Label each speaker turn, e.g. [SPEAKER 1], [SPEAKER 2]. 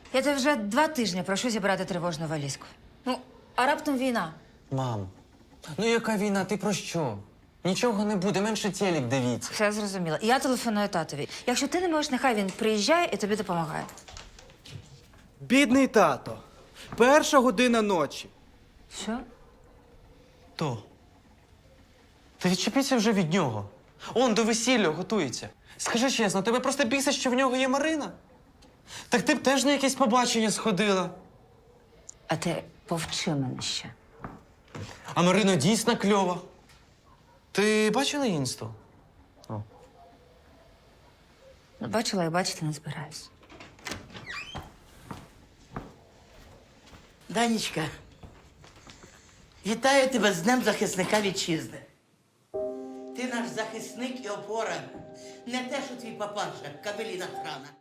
[SPEAKER 1] Я тебе вже 2 тижні прошу зібрати тривожну валізку. Ну, а раптом війна.
[SPEAKER 2] Мам, ну яка війна? Ти про що? Нічого не буде, менше телек дивіться.
[SPEAKER 1] Все зрозуміло. Я телефоную татові. Якщо ти не можеш, нехай він приїжджає і тобі допомагає.
[SPEAKER 3] Бідний тато. 1:00 ночі.
[SPEAKER 1] Що?
[SPEAKER 2] То. Та відчепіться вже від нього. Он до весілля готується. Скажи чесно, тебе просто бісить, що в нього є Марина? Так ти б теж на якесь побачення сходила.
[SPEAKER 1] А ти повчи мене ще.
[SPEAKER 2] А Марина дійсно кльова. Ти бачила інсту?
[SPEAKER 1] Ну, бачила і бачити не збираюсь.
[SPEAKER 4] Данечка, вітаю тебе з Днем захисника вітчизни. Ти наш захисник і опора. Не те, що твій папаша, кабеліна храна.